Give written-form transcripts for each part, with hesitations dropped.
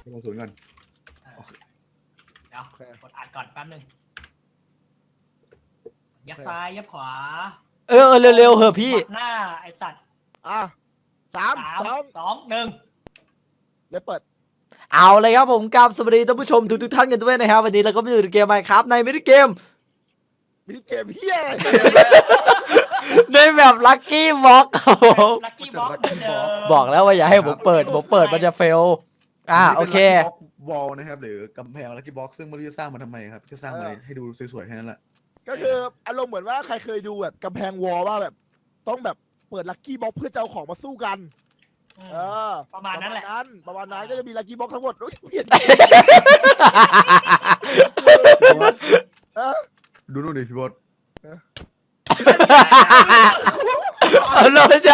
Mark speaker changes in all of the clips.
Speaker 1: กระสุนก่อน
Speaker 2: เดี๋ยวกดอัดก่อนแป๊บนึงยับซ้ายยับขวา
Speaker 3: เร็วๆเหอะพี่
Speaker 2: หน้าไอ้สัตว์
Speaker 4: 3 2
Speaker 2: 2 1
Speaker 4: เดี๋ยวเปิด
Speaker 3: เอาเลยครับผมกับสวัสดีท่านผู้ชมทุกท่านกันด้วยนะครับวันนี้เราก็มาอยู่ในเกม Minecraft ในมินิเกม
Speaker 4: มีเกมเฮียอะไร
Speaker 3: ในแบบลัคกี้บ็อกครับผม
Speaker 2: ลักกี้บ็อกเหมือนเดิม
Speaker 3: บอกแล้วว่าอย่าให้ผมเปิดมันจะเฟลโอเค
Speaker 1: วอลนะครับหรือกำแพงลักกี้บ็อกซึ่งไม่รู้จะสร้างมาทำไมครับจะสร้างมาให้ดูสวยๆแค่นั้นแหละ
Speaker 4: ก็คืออารมณ์เหมือนว่าใครเคยดูแบบกำแพงวอลว่าแบบต้องแบบเปิดลัคกี้บ็อกเพื่อจะเอาของมาสู้กัน
Speaker 2: ประมาณนั้นแหละ
Speaker 4: ประมาณนั้นก็จะมีลัคกี้บ็อกทั้งหมดโอ้ยเปลี่ยน
Speaker 1: ดูนู่นดิพี่บอส
Speaker 3: เอาเลยจ้ะ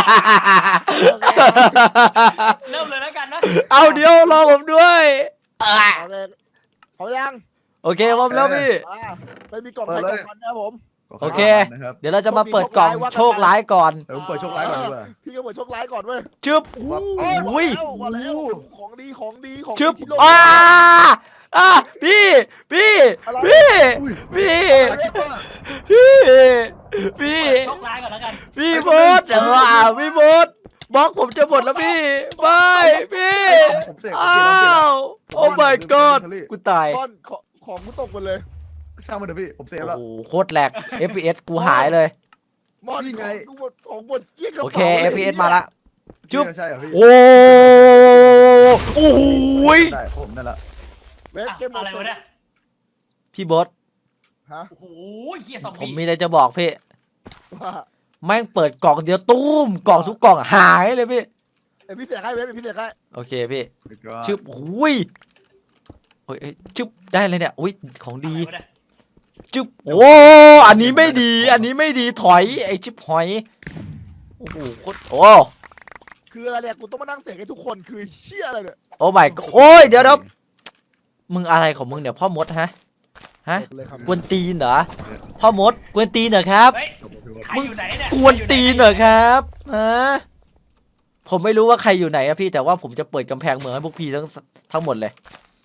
Speaker 2: เริ่มเลยแล้วกันนะ
Speaker 3: เอาเดี๋ยวรอผมด้วย
Speaker 4: เขายัง
Speaker 3: โอเคพร้อมแล้วพี่
Speaker 4: ไปมีกล่องใครกล่องมันนะครับผม
Speaker 3: โอเค
Speaker 1: นะครับ
Speaker 3: เดี๋ยวเราจะมาเปิดกล่องโชคร้ายก่อน
Speaker 1: เดี๋ยวผมเปิดโชคร้ายก่อนดีกว่า
Speaker 4: พี่ก็เปิดโชคร้ายก่อนเว้ย
Speaker 3: จึ๊บ
Speaker 4: อุ้ยมาแล้วของดี
Speaker 3: จึ๊บ
Speaker 4: ที่โลก
Speaker 3: พี่พี่
Speaker 4: อะไร
Speaker 3: พี่พี่ พี่
Speaker 2: โชคร้ายก่อนแล้วกัน
Speaker 3: พี่บอสพี่บอสบล็อกผมจะหมดแล้วพี่ไม่พี่
Speaker 1: ผมเสก
Speaker 3: อ้าวโอ้ my god กูตาย
Speaker 4: ก้อนของกูตกหมดเลย
Speaker 1: ช่างมันเถอะพี่ผมเซฟ
Speaker 3: โอ้
Speaker 1: แล้ว
Speaker 3: โหโคตรแหลก FPS กูหายเลย
Speaker 4: มอนของหมดเกี้ยกระ
Speaker 3: โอ
Speaker 4: เป๋า
Speaker 3: เค FPS มาละจุ๊บ
Speaker 1: ใช่เหรอพี่
Speaker 3: โอ้โห
Speaker 1: ได้ผมนั่นแหละ
Speaker 4: เว็บเกม
Speaker 2: อะไรวะเนี่ย
Speaker 3: พี่บอส
Speaker 4: ฮะ
Speaker 2: โอ้โหเฮียซอม
Speaker 3: ผม
Speaker 2: บี้
Speaker 3: มีอะไรจะบอกพี่
Speaker 4: ว่า
Speaker 3: แม่งเปิดกล่องเดียวตุ้มกล่องทุกกล่องหายเลยพี่
Speaker 4: พี่เสียให้เว็บพี่เสียให้
Speaker 3: โอเคพี่
Speaker 1: ก็
Speaker 3: ชึบหุยโอ้ยชึบได้เลยเนี่ยอุ้ยของดี
Speaker 2: อะไรวะเนี่ย
Speaker 3: ชึบโอ้อันนี้ไม่ดีอันนี้ไม่ดีถอยไอ้ชิบหอยโอ้โหโคตรโอ้
Speaker 4: คืออะไรเนี่ยกูต้องมานั่งเสกให้ทุกคนคือเชี่ยอะไรเนี่ย
Speaker 3: โอ้ my god โอ้ยเดี๋ยวมึงอะไรของมึงเนี่ยพ่อมดฮะ
Speaker 4: เลยครับ
Speaker 3: กวนตีนเหรอพ่อมดกวนตีนเหรอครับ
Speaker 2: เฮ้ยใครอยู่ไหนเนี่ย
Speaker 3: กวนตีนเหรอครับฮะผมไม่รู้ว่าใครอยู่ไหนอะพี่แต่ว่าผมจะเปิดกำแพงเมืองให้พวกพี่ทั้งหมดเลย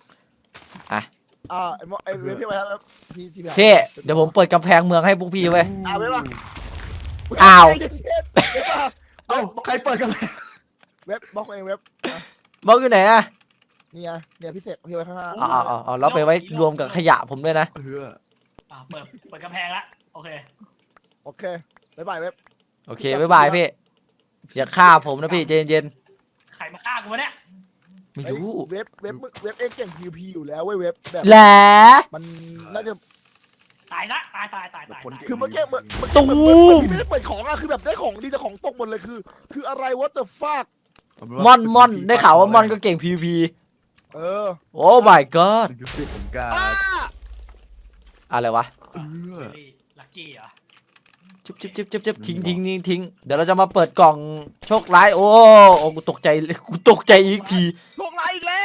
Speaker 4: ไอ้เว็บพี่ไปครับพี่
Speaker 3: พี่เดี๋ยวผมเปิดกำแพงเมืองให้พวกพี่ไว้
Speaker 4: เว็บป่ะ
Speaker 3: อ้าว
Speaker 1: เอ้าใครเปิดกัน
Speaker 4: เว็บบล็อกเองเว็บบ
Speaker 3: ล็อกอยู่ไหนอะ
Speaker 4: นี่ไงเนี่ยพี่เสกพี่ไว้ข้างหน้า
Speaker 3: เอาแล้วไปไว้รวมกับขยะผมด้วยนะ
Speaker 1: เฮือ
Speaker 2: เปิดกำแพงละโอเค
Speaker 4: โอเคบ๊ายบายเว็บ
Speaker 3: โอเคบ๊ายบายพี่อย่าฆ่าผมนะพี่เย็น
Speaker 2: ใครมาฆ่ากูวะเนี่ย
Speaker 3: ๆไม่รู้
Speaker 4: เว็บเองเก่ง PVP อยู่แล้วเว้ยเว็บแบบ
Speaker 3: แหละ
Speaker 4: มันน่าจะ
Speaker 2: ตายละตาย
Speaker 4: คือเมื่อกี้ไม่ได้เปิดของอะคือแบบได้ของดีแต่ของตกหมดเลยคืออะไร what the fuck
Speaker 3: ม่อนได้ข่าวว่าม่อนก็เก่ง PVP โอ้ my god
Speaker 1: คือสิผมกา
Speaker 3: อะไรวะ
Speaker 2: ลักกี้เหรอ
Speaker 3: จุ๊บทิ้งเดี๋ยวเราจะมาเปิดกล่องโชคร้ายโอ้กูตกใจอีกที
Speaker 4: ลงไลน์อีกแล้ว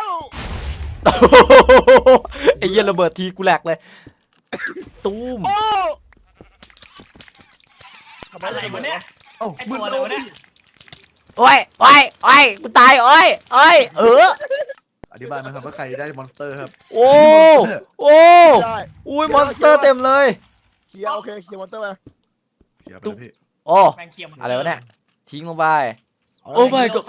Speaker 3: ไอ้เหี้ยระเบิดทีกูแหลกเลยตูม
Speaker 4: โอ้
Speaker 2: อะไรวะเนี่ย
Speaker 1: เอ้า
Speaker 2: ไอ้
Speaker 1: มึ
Speaker 2: ตั
Speaker 1: ง
Speaker 2: วอะไรวะเนี่ย
Speaker 3: โอ้ยกูตายโอ้ย
Speaker 1: อธิบายไหมครับว่าใครได้มอนสเตอร์ครับ
Speaker 3: โอ้
Speaker 4: ได้
Speaker 3: อุ้ยมอนสเตอร์เต็มเลย
Speaker 4: เคลียร์โอเคเคลียร์มอนเตอร์ไป
Speaker 1: เดี๋ยวไปพี่
Speaker 3: โอ้
Speaker 2: แมงเคียม
Speaker 3: อะไรวะเนี่ยทิ้งลงไป
Speaker 4: โอ้
Speaker 3: โอ้ my god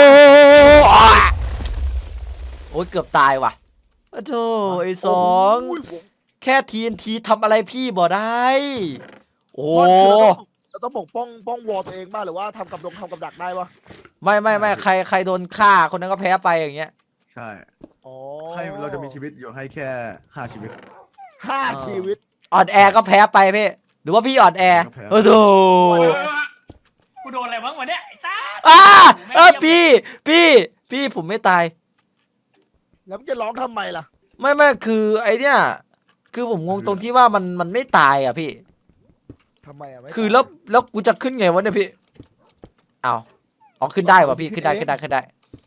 Speaker 3: โอ้ยเกือบตายว่ะโธ่ไอ้สองแค่ TNT ทำอะไรพี่บ่ได้ โอ้
Speaker 4: เราต้องปกป้องวอลตัวเองบ้างหรือว่าทำกับดักได้ปะ
Speaker 3: ไม่ใครโดนฆ่าคนนั้นก็แพ้ไปอย่างเงี้ย
Speaker 1: ใช่
Speaker 4: อ๋อ
Speaker 1: ให้เราจะมีชีวิตอยู่ให้แค่5ชีวิต
Speaker 4: 5 ชีวิต
Speaker 3: อ่อนแอก็แพ้ไปพี่หรือว่าพี่อ่อนแอโอ้โห
Speaker 2: กูโดนอะไรบ้างวะเนี่ยไอ้ซ่า
Speaker 3: พี่ผมไม่ตาย
Speaker 4: แล้วมันจะร้องทำไมล่ะ
Speaker 3: ไม่คือไอเนี้ยคือผมงงตรงที่ว่ามันไม่ตายอ่ะพี่
Speaker 4: ทำไมอ่ะไม่
Speaker 3: คือแล้วกูจะขึ้นไงวะเนี่ยพี่เอาขึ้นได้วะพี่ขึ้นได้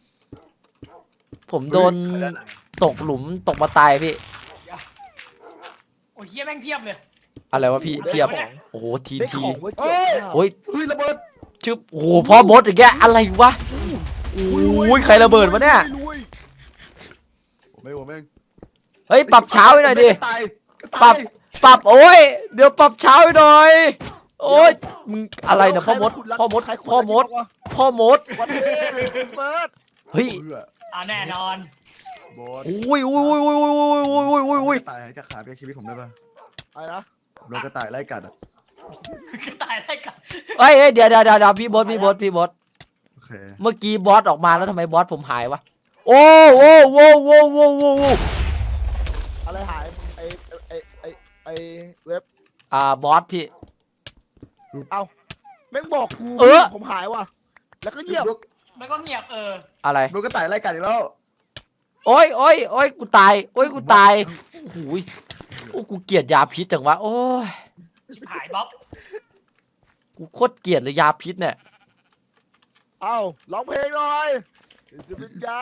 Speaker 3: ผมโดนตกหลุมตกมาตายพี่
Speaker 2: โอ้ยเฮียแม่งเพียบเลย
Speaker 3: อะไรวะพี่เพียบโอ้โหที
Speaker 4: ได้ของไว้เก็บ
Speaker 3: โอ้ย
Speaker 1: เฮ้ยระเบิด
Speaker 3: ชึบโอ้โหพ่อมดอย่างเงี้ยอะไรวะโอ้ยใครระเบิดวะเนี่ย
Speaker 1: ไม่ผมเอง
Speaker 3: เฮ้ยปรับเช้าให้หน่อยดิ
Speaker 1: ตาย
Speaker 3: ปรับโอ้ยเดี๋ยวปรับเช้าให้หน่อยโอ้ยมึงอะไรเนี่ยพ่อมดพ่อมดพ่อมดพ่อมด
Speaker 4: วันนี้เฟิร์ส
Speaker 3: เฮ้ย
Speaker 2: แน่นอน
Speaker 1: บอส
Speaker 3: อุ้ยอุ้ยอุ้ยอุ้ยอุ้ยอุ้ยอุ้ยอุ้ย
Speaker 1: กระต่ายจะขาเปียกชีวิตผมได้ป่ะ
Speaker 4: อะไรนะ
Speaker 1: โดนกระต่ายไล่กัดอ่ะ
Speaker 2: กระต่ายได้กัน
Speaker 3: เฮ้ยเดี๋ยวพี่บอส
Speaker 1: โอเค
Speaker 3: เมื่อกี้บอสออกมาแล้วทำไมบอสผมหายวะโอ้โว้โว้โว้โว้โว้โว้
Speaker 4: อะไรหายไอเว็บบ
Speaker 3: อสพี่
Speaker 4: แม่งบอกกู
Speaker 3: เออ
Speaker 4: ผมหายว่ะแล้วก็เงียบ
Speaker 2: แล้วก็เงียบ
Speaker 3: อะไร
Speaker 1: โดนกระต่ายไล่กัดอีกแล้ว
Speaker 3: โอ้ยกูตายโอ้ยกูตายโอ้โหยโอ้กูเกลียดยาพิษจังวะโอ้ย
Speaker 2: ชิบหายบ๊อบ
Speaker 3: กูโคตรเกลียดเลยยาพิษเนี่ย
Speaker 4: เอ้าร้องเพลงหน่อยจะเป็นยา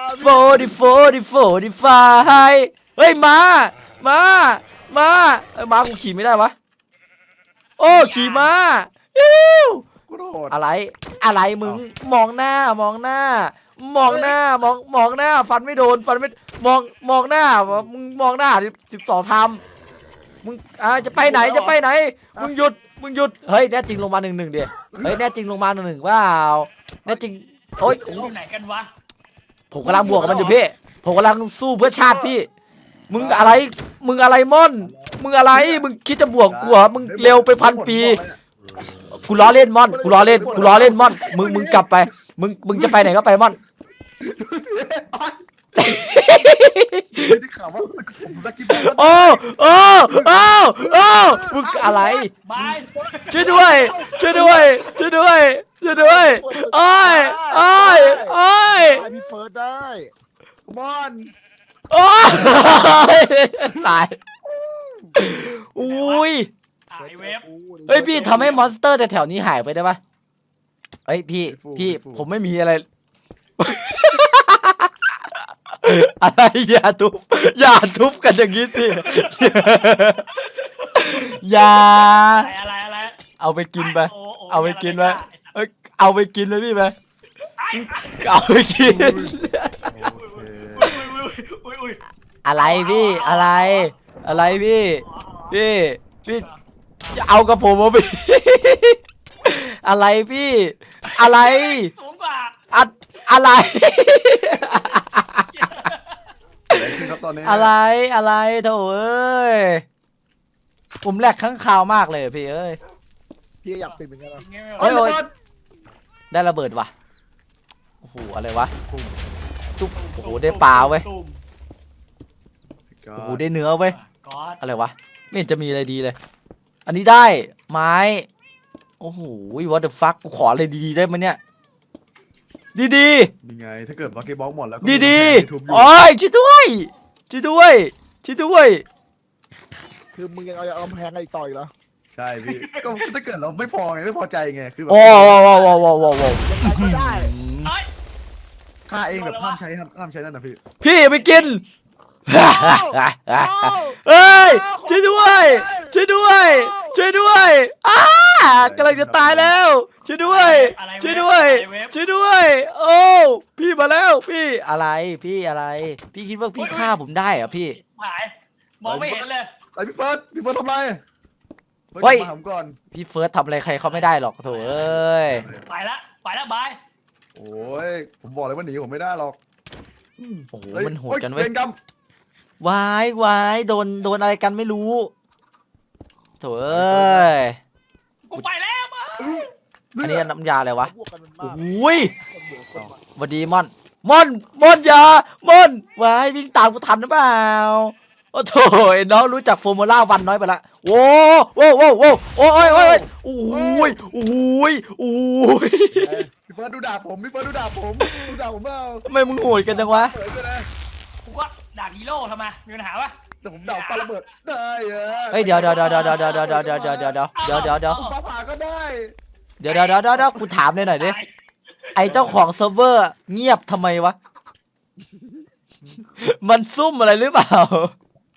Speaker 3: 45เฮ้ยมาเอ้ยมากูขี่ไม่ได้วะโอ้ขี่มาอิ้ว
Speaker 1: กูโดด
Speaker 3: อะไรมึงมองหน้ามองหน้า ฟันไม่โดนมองหน้ามึงมองหน้า12ทำมึงจะไปไหนมึงหยุดเฮ้ยแน่จริงลงมา1-1ดิเฮ้ยแน่จริงลงมา1-1ว้าวแน่จริงโอ้ย
Speaker 2: อยู่ไหนกันวะ
Speaker 3: ผมกำลังบวกกับมันอยู่พี่ผมกำลังสู้เพื่อชาติพี่มึงอะไรม่อนมึงอะไรมึงคิดจะบวกกูเหรอมึงเร็วไป1,000 ปีกูล้อเล่นม่อนกูล้อเล่นม่อนมึงกลับไปมึงจะไปไหนก็ไปม่อน
Speaker 1: ไม่ได้ข่าวว่าผมลักกี้บอล
Speaker 3: โอ้มึงอะไร
Speaker 2: บาย
Speaker 3: ช่วยด้วยโอ้ย
Speaker 4: ไอพี่เฟิร์สได้
Speaker 1: บอล
Speaker 3: โอ้ยตายอุ้ย
Speaker 2: หายเว็บ
Speaker 3: เฮ้ยพี่ทำให้มอนสเตอร์แต่แถวนี้หายไปได้ปะเฮ้ยพี่ผมไม่มีอะไร อะไรอย่าทุบกันอย่างนี้สิอย่า
Speaker 2: อะไร
Speaker 3: เอาไปกินไป
Speaker 2: โ
Speaker 3: เอาไปกินไหม เอาไปกินเลยพี่ไปเอาไปกิน
Speaker 2: อุ้ย
Speaker 3: อะไรพี่อะไรพี่จะเอากับผมมาพี่อะไรพี่อะไร
Speaker 2: สูงกว่า
Speaker 3: อะไร
Speaker 1: อะไรขึ้นครับตอนนี้
Speaker 3: อะไรโถ่เอ้ยผมแหลกข้างคาวมากเลยพี่เอ้ย
Speaker 4: พี่อยากเป็นเหมือนกันนะ
Speaker 3: โอ้ยได้ระเบิดว่ะโอ้โหอะไรวะตุ๊บโอ้โหได้ปลาเว้ยโอ้โหได้เนื้อเว้ย
Speaker 2: ก๊อด
Speaker 3: อะไรวะไม่เห็นจะมีอะไรดีเลย อันนี้ได้ไม้โอ้โห what the fuck กูขออะไรดีๆได้ไหมเนี่ยดี
Speaker 1: ยังไงถ้าเกิดลักกี้บอลหมดแล้วก็
Speaker 3: ดี
Speaker 1: ทุบอยู่
Speaker 3: โอ้ยช่วยด้วย
Speaker 4: คือมึงยังเอากำแพงอะไรต่ออีกเหรอ
Speaker 1: ใช่พี่ก็ถ้าเกิดเราไม่พอไงไม่พอใจไงคือแบบ
Speaker 3: โอ้
Speaker 4: ยังไงก็ได้
Speaker 2: เอ้ย
Speaker 1: ฆ่าเองแบบห้ามใช้นั่นนะพี่
Speaker 3: พี่ไปกินเอ้ยช่วยด้วยกำลังจะตายแล้วช่วยด้วย
Speaker 2: อะไร
Speaker 3: ช่วยด้วยโอ้พี่มาแล้วพี่อะไรพี่คิดว่าพี่ฆ่าผมได้เหรอพี่
Speaker 2: หายมองไม่เห็นเลย
Speaker 1: ไอพี่เฟิร์สทำไร
Speaker 3: เฮ้ย
Speaker 1: มาผมก่อน
Speaker 3: พี่เฟิร์สทำอะไรใครเขาไม่ได้หรอกโถเอ้ย
Speaker 2: ไปละบาย
Speaker 1: โอ้ยผมบอกเลยว่าหนีผมไม่ได้หรอก
Speaker 3: โอ้โห
Speaker 1: เฮ้ย
Speaker 3: มันโหดกันเว้ย
Speaker 1: เวรกรรม
Speaker 3: วายโดนอะไรกันไม่รู้โถเอ้ย
Speaker 2: กูไปแล้วบาย
Speaker 3: อันนี้น้ำยาอะไรวะ
Speaker 4: พวกกันมัน
Speaker 3: โอ้
Speaker 4: มาก
Speaker 3: โหยสวัสดีม่อนอยามอนวายวิ่งตามกูทันหรือเปล่าโอ้โถไอ้น้องรู้จักฟอร์มูล่าวันน้อยไปละโอ้โอ้ยโอ้ย
Speaker 1: พี่เฟิร์สดูดาบผมเปล่า
Speaker 3: ทำไมมึงโหดกันจังวะ
Speaker 1: เปิดไปเลย
Speaker 2: กูก็ด่าฮีโร่ทำไมมีปัญหาปะ
Speaker 1: แต่ผมดาบปาระเบิดได้อะ
Speaker 3: เฮ้ยเดี๋ยว
Speaker 1: ผมฟ้าผ่าก็ได้
Speaker 3: เดี๋ยวกูถามหน่อยดิไอเจ้าของเซิร์ฟเวอร์เงียบทำไมวะมันซุ่มอะไรหรือเปล่า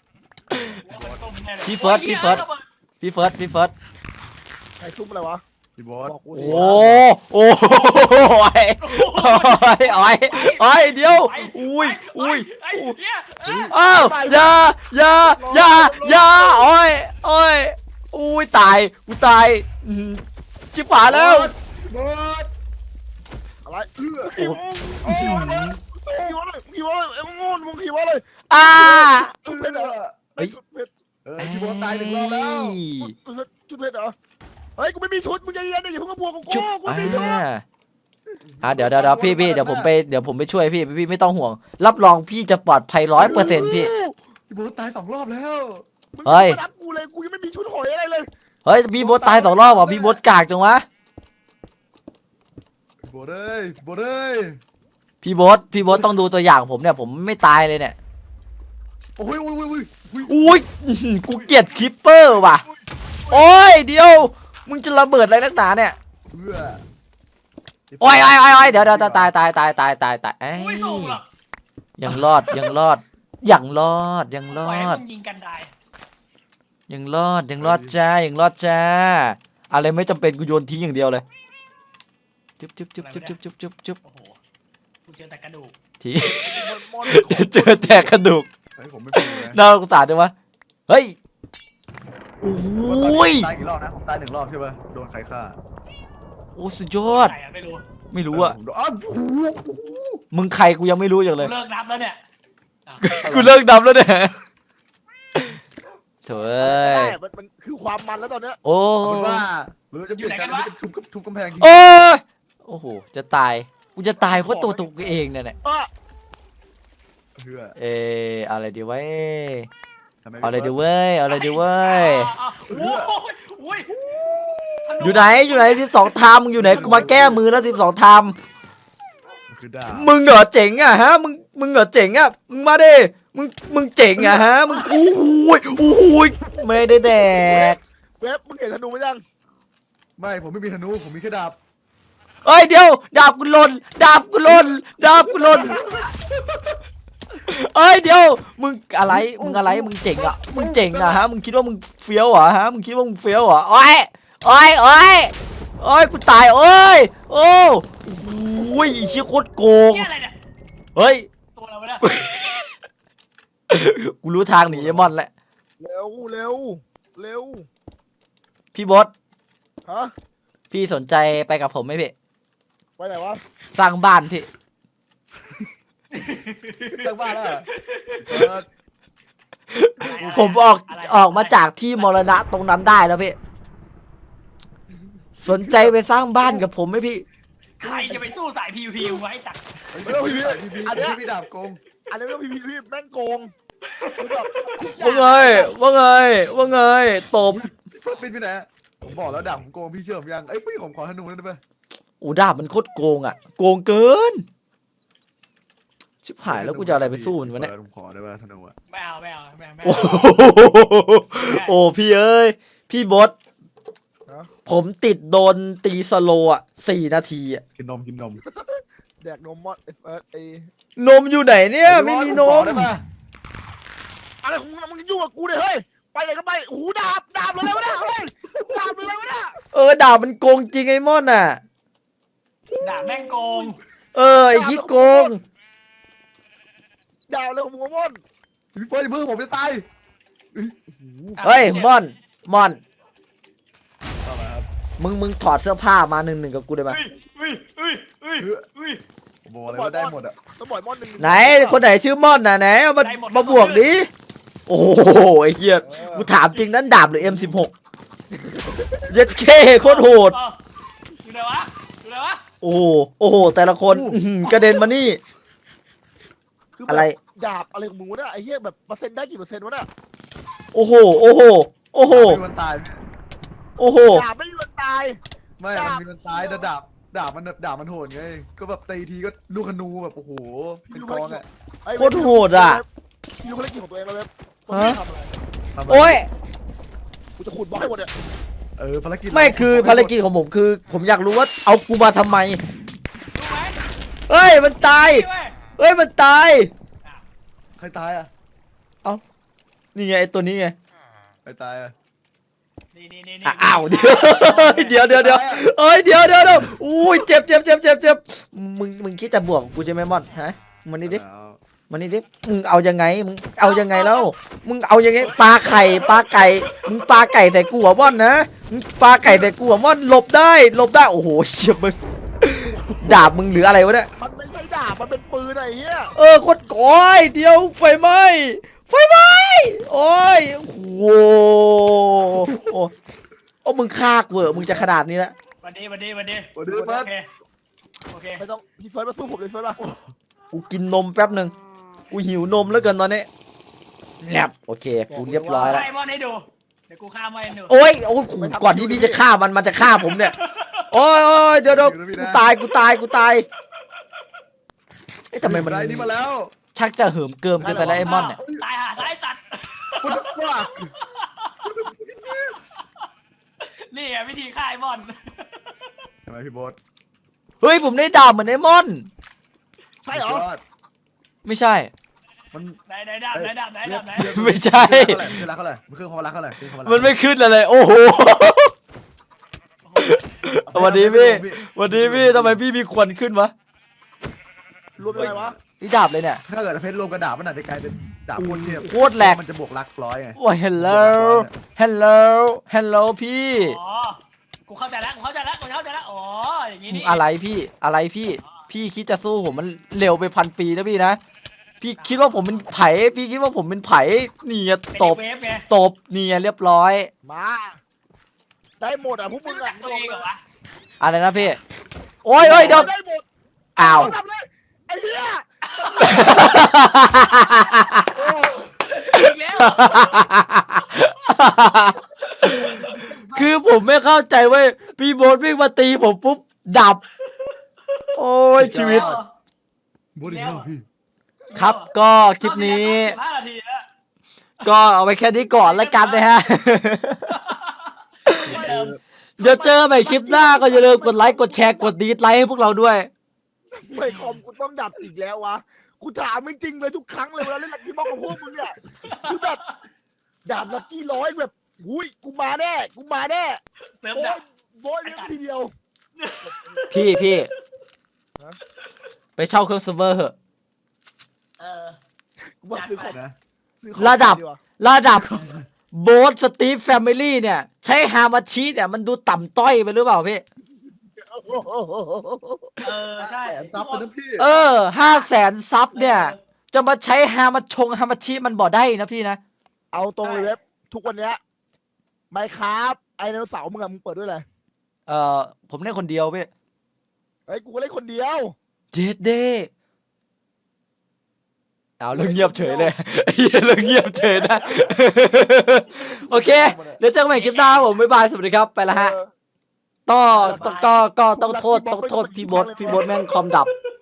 Speaker 3: พี่เฟิร์ส
Speaker 4: ใครซุ่มอะไรวะ
Speaker 1: พี่บอส
Speaker 4: บอกกู
Speaker 3: โอ้
Speaker 4: ดิ
Speaker 3: โอ้ยโอ้ยเดี๋ยวอุ้ย
Speaker 2: ไอ้เนี่ย
Speaker 3: อ้าวอย่าโอ้ยอุ้ยตายกูตายจิบหายแล้ว
Speaker 1: บอส
Speaker 4: อะไรขี่วะขี่วะเลยไอ้มึงขี่วะเลย
Speaker 3: อ่า
Speaker 4: จุดเพชรเหรอไอ้จุดเพชร
Speaker 1: พี่บอสตาย1 รอบแล้ว
Speaker 4: จุดเพชรเหรอเฮ้ยกูไม่มีชุดมึงใจเย็นดิอย่าเพิ่งมาบวกกับกู
Speaker 3: จุบ
Speaker 4: กูไม่มีชุด
Speaker 3: เดี๋ยวพี่เดี๋ยวผมไปช่วยพี่ไม่ต้องห่วง รับรองพี่จะปลอดภัย100%พี่
Speaker 1: พี่บอสตาย2 รอบแล้ว
Speaker 4: มึง
Speaker 3: เฮ้ย
Speaker 4: มารับกูเลยกูยังไม่มีชุดหอยอะไรเลย
Speaker 3: เฮ้ยพี่บดตาย2 รอบว่ะพี่บดกากจังวะ
Speaker 1: พี่บอสเอ้ยพี่บอสเอ้ย
Speaker 3: พี่บดต้องดูตัวอย่างผมเนี่ยผมไม่ตายเลยเนี่ย
Speaker 1: โอ้ย
Speaker 3: อุ้ยกูเกลียดคิปเปอร์ว่ะโอ้ยเดี๋ยวมึงจะระเบิดอะไรนักหนาเนี่ย
Speaker 1: เพื่อ
Speaker 3: โอ้ยเดี๋ยวตายเอ้
Speaker 2: กูไม่
Speaker 3: ย
Speaker 2: สู้หรอก
Speaker 3: ยังรอด
Speaker 2: ปล่อยให้
Speaker 3: ยัง
Speaker 2: มึงยิงกันได้
Speaker 3: รอดจ้าอะไรไม่จำเป็นกูโยนทิ้งอย่างเดียวเลยจุ๊บ
Speaker 2: โอ้โหกูเจอแต่กระดูก
Speaker 3: ที
Speaker 4: มอน
Speaker 3: เจอแต่กระดูก
Speaker 1: เฮ้ยผมไม่เป็นเลย
Speaker 3: น่าสงสารจังวะเฮ้ยโอ้ย
Speaker 1: ตายกี่รอบนะผมตาย1 รอบใช่ป่ะโดนใครฆ่า
Speaker 3: โอ้สุดยอด
Speaker 2: ใครอะไม่รู้
Speaker 3: ไม่รู้อะ
Speaker 1: ผมโดนอ้าวโอ้โห
Speaker 3: มึงใครกูยังไม่รู้อย่างเล
Speaker 2: กู
Speaker 3: ย
Speaker 2: เลิกนับแล้วเนี่ย
Speaker 3: กูเลิกดำแล้วเนี่ยโถ่เอ้ย
Speaker 4: มันคือความมันแล้วตอนเนี้ย
Speaker 3: โอ้
Speaker 1: เอาเป็นว่าเราจะเปลี่ยนการที่จะทุบกำแพงที
Speaker 3: โอ้ยโอ้โหจะตายกูจะตายเพราะตัวกูเองเนี่ยแหละ
Speaker 1: เพื่อ
Speaker 3: อะไรดีวะ
Speaker 1: ทำไม
Speaker 3: เอาอะไรดีเว้ย
Speaker 2: โอ้ย
Speaker 3: อยู่ไหน12 ไทม์มึงอยู่ไหนกูมาแก้มือแล้ว12 ไทม์
Speaker 1: มันคือดาบ
Speaker 3: มึงเหรอเจ๋งอะฮะมึงเหรอเจ๋งอะมึงมาดิมึงเจ๋งอะฮะมึงโอ้ยไม่ได้แดก
Speaker 4: เว็บมึงเห็นธนูไหมยัง
Speaker 1: ไม่ผมไม่มีธนูผมมีแค่ดาบ
Speaker 3: เอ้ยเดี๋ยวดาบกูหล่นเอ้ยเดี๋ยวมึงอะไรมึงเจ๋งอะฮะมึงคิดว่ามึงเฟี้ยวเหรอฮะมึงคิดว่ามึงเฟี้ยวเหรอโอ้ยกูตายโอ้ยโอ้ยไอ้เชี่ยโคตรโกง
Speaker 2: เนี่ยอะไรเนี่ย
Speaker 3: เฮ้ย
Speaker 2: ตัวอะไรวะเนี่ย
Speaker 3: กูรู้ทางหนีไอ้มอนแล้ว
Speaker 4: เร็ว
Speaker 3: พี่บด
Speaker 4: ฮะ
Speaker 3: พี่สนใจไปกับผมไหมพี่
Speaker 4: ไปไหนวะ
Speaker 3: สร้างบ้านพี่
Speaker 1: ตั้งบ้านแล้วเหรอ
Speaker 3: ผมออกมาจากที่มรณะตรงนั้นได้แล้วพี่ สนใจไปสร้างบ้านกับผมไหมพี่
Speaker 2: ใครจะไปสู้สายPVP ไว้ตัก
Speaker 1: ไม่ต้องพี่พี่ดาบโกง
Speaker 4: อันนี้ก็พี่แม่งโกงคือแบบ
Speaker 3: ว่าไงตบ
Speaker 1: เพิ่มบินไปไหนผมบอกแล้วดาบผมโกงพี่เชื่อผมยังพี่ผมขอธนูได้ไหม
Speaker 3: โอ้ดาบมันโคตรโกงอ่ะโกงเกินชิบหายแล้วกูจะอะไรไปสู้มันวะเนี่ย
Speaker 1: ผมขอได้ไหมธนูอ่ะ
Speaker 2: ไม่เอา
Speaker 3: โอ้โหโอ้พี่เอ้ยพี่บดผมติดโดนตีสโลอ่ะ4 นาทีอ่ะ
Speaker 1: กินนม
Speaker 4: แดกนมมอดไอ้
Speaker 3: นมอยู่ไหนเนี่ยไม่มีนม
Speaker 1: ได้ปะ
Speaker 4: อะไรของมึงยุ่งกับกูเนี่ยเฮ้ยไปไหนก็ไปโอ้โหดาบเลยวะเนี่ยเฮ้ยดาบเลยวะเนี่ย
Speaker 3: ดาบมันโกงจริงไอ้ม่อนอ่ะ
Speaker 2: ด่าแม่งโกง
Speaker 3: ไอ้ยี่โกง
Speaker 4: ดาบเลยของมึงม่อน
Speaker 1: พี่เฟิร์สเพิ่งผมจะตาย
Speaker 3: เฮ้ยม่อน
Speaker 1: ต่อมาครับ
Speaker 3: มึงถอดเสื้อผ้ามา1-1กับกูได้ไหม
Speaker 1: ผมบอกเลยว่าได้หมดอ่ะ
Speaker 4: ต้องบ่อยม่อนหนึ่ง
Speaker 3: ไหนคนไหนชื่อม่อนน่ะไหนเอามาบวกดิโอ้โหไอ้เหี้ยกูถามจริงนั้นดาบหรือ M16 เย็ดเคโคตรโหด
Speaker 2: อยู่ไหนวะ
Speaker 3: โอ้โหแต่ละคนกระเด็นมานี่
Speaker 4: คือ
Speaker 3: อะไร
Speaker 4: ดาบอะไรของมึงวะเนี่ยไอ้เหี้ยแบบเปอร์เซ็นต์ได้กี่เปอร์เซ็นต์วะเนี่ย
Speaker 3: โอ้โห
Speaker 1: มีวันตาย
Speaker 4: ดาบไม่มีวันตาย
Speaker 1: ไม่มันมีวันตายแต่ดาบมันโหดไงก็แบบตีทีก็ลูกธนูแบบโอ้โหเป็นกองอ่ะ
Speaker 3: โคตรโหดอ่ะ
Speaker 4: ดูภารกิจของตัวเองแล้วเว็บ
Speaker 3: ฮะ
Speaker 4: ทำอะไร
Speaker 3: โอ้ย
Speaker 4: กูจะขุดบล็อกให้หมดเนี่ย
Speaker 1: ภารกิจ
Speaker 3: ไม่คือภารกิจของผมคือ ผมอยากรู้ว่าเอากูมาทำไม
Speaker 2: รู้ไหม
Speaker 3: เฮ้ยมันตาย มันตาย
Speaker 1: ใครตายอ่ะ
Speaker 3: นี่ไงไอ้ตัวนี้ไง
Speaker 1: ใครตายอ่ะ
Speaker 2: นี่
Speaker 3: อ้าวเดี๋ยวเอ้ยเดี๋ยวอุ้ยเจ็บมึงคิดจะบวกกูใช่ไหมมอนฮะมันนี่ดิมึงเอายังไงมึงเอายังไงแล้วมึงเอายังไงปลาไก่มึงปลาไก่แต่กูหัวม่อนนะมึงปลาไก่แต่กูหัวม่อนหลบได้โอ้โหเชี่ยมึงดาบมึงหรืออะไรวะเนี่ย
Speaker 4: มันไม่ใช่ดาบมันเป็นปืนไอ้เหี้ย
Speaker 3: โคตรโอ้ยเดี๋ยวไฟไหม้โอ้ยโอ้โหโอ้มึงคากเวอร์มึงจะขนาดนี้แล้ว
Speaker 2: วันดี
Speaker 1: วันนี้
Speaker 2: โอ
Speaker 1: เฟิร์ส
Speaker 2: เค
Speaker 4: ไม่ต้องพี่เฟิร์สมาสู้ผมเลยเฟิร์สมา
Speaker 3: กูกินนมแป๊บหนึ่งกูหิวนมแล้วเกินตอนนี้แนบโอเคกูเรียบร้อยแล้ว
Speaker 2: ไอ้บอลให้ดูเดี๋ยวกูฆ่ามันดู
Speaker 3: โอ้ยขู่ก่อนที่พี่จะฆ่ามันจะฆ่าผมเนี่ยโอ้ยเดี๋ยวกูตายเอ๊ะทำไมมัน
Speaker 1: ได้นี่มาแล้ว
Speaker 3: ชักจะเหิมเกิมเกินไปแล้วไอ้มอนเนี่ย
Speaker 2: ตายหาตายสัตว์
Speaker 1: What the fuck
Speaker 2: นี่ไงวิธีฆ่าไอ้บอล
Speaker 1: ใช่ไหมพี่โบ๊ท
Speaker 3: เฮ้ยผมได้ดาบเหมือนไอ้มอน
Speaker 4: ใช่เหรอ
Speaker 1: สุดยด
Speaker 3: ไม่ใช่
Speaker 1: มัน
Speaker 2: ไหนดาบไหน
Speaker 3: ไม่ใช่
Speaker 1: คือรักเท่าไหร่มันคือความรักเท่าไหร่
Speaker 3: มันไม่ขึ้นอะไรโอ้โห สวัสดีพี่ทำไมพี่มีควันขึ้นวะ
Speaker 4: รวมยังไงวะ
Speaker 3: นี่ดาบเลยเนี่ย
Speaker 1: ถ้าเกิดเพชรรวมกระดาษมันอาจจะกลายเป็นดาบโคตรเทพ
Speaker 3: โคตรแหลก
Speaker 1: มันจะบวกรักร้อยไง
Speaker 3: โอ้ย hello พี่
Speaker 2: อ๋อกูเข้าใจแล้วอ๋ออย่างนี้นี่
Speaker 3: อะไรพี่คิดจะสู้ผมมันเร็วไป1,000 ปีนะพี่นะ พี่คิดว่าผมเป็นไผ่พี่คิดว่าผมเป็นไผ่นี่ไง
Speaker 2: เป็น
Speaker 3: ตบ
Speaker 2: เวฟไง
Speaker 3: นี่ไงเรียบร้อย
Speaker 4: มาได้หมดอ่ะพวกมึง
Speaker 2: รู้จั
Speaker 4: อ่ะ
Speaker 2: กตัวเองเหรอวะ
Speaker 3: อะไรนะพี่โอ้ยเดี๋ยว
Speaker 4: ได้หมด
Speaker 3: อ้าว
Speaker 4: ทำเลยไอ้เหี้ย
Speaker 2: อีกแล้ว
Speaker 3: คือผมไม่เข้าใจเว้ยพี่โบ๊ทวิ่งมาตีผมปุ๊บดับ โอ้ยชีวิต
Speaker 1: โบ๊ทอีกแล้วพี่
Speaker 3: ครับก็คลิปนี้
Speaker 2: 15 นาทีแล้ว
Speaker 3: ก็เอาไว้แค่นี้ก่อนแล้วกันนะฮะ เดี๋ยวเจอใหม่คลิปหน้าก็อย่าลืมกดไลค์กดแชร์กดดีดไลค์ให้พวกเราด้วย
Speaker 4: ไม่คอมกูต้องดับอีกแล้ววะกูถามจริงๆเลยทุกครั้งเลยเวลาเล่นลักกี้บ็อกกับพวกมึงเนี่ยคือแบบดาบลักกี้ร้อยแบบอุ้ยกูมาแน่
Speaker 2: เสริม
Speaker 4: โอ้
Speaker 2: ดั
Speaker 4: ย
Speaker 2: บ
Speaker 4: โบยเลี้ยงทีเดียว
Speaker 3: พี่ไปเช่าเครื่องเซิร์ฟเวอร์เหอะ
Speaker 4: กูว่าซื้อของ
Speaker 1: นะ
Speaker 4: ซื้อของ
Speaker 3: ระดับ
Speaker 4: ดีกว่า
Speaker 3: ระดับโบ๊ทสตีฟแฟมิลี่เนี่ย ใช้ฮามาชิเนี่ยมันดูต่ำต้อยไปหรือเปล่าพี่
Speaker 2: ใช่
Speaker 1: แสนซับเลยนะพี่
Speaker 3: 500,000 ซับเนี่ย จะมาใช้ฮามาชิมันบ่ได้นะพี่นะ
Speaker 4: เอาตรงเลยเว็บทุกวันเนี้ยไมครับไอไดโนเสาร์มึงอะมึงเปิดด้วยอะไร
Speaker 3: ผมเล่นคนเดียวพี่
Speaker 4: เฮ้ยกูก็เล่นคนเดียว
Speaker 3: เจ็ดเดเอาเรื่องเงียบเฉยเลย เรื่องเงียบเฉยนะ โอเค เดี๋ยวเจอกันใหม่คลิปหน้าครับผมบ๊ายบายสวัสดีครับไปละฮะ ต้องโทษพี่โบ๊ทแม่งคอมดับ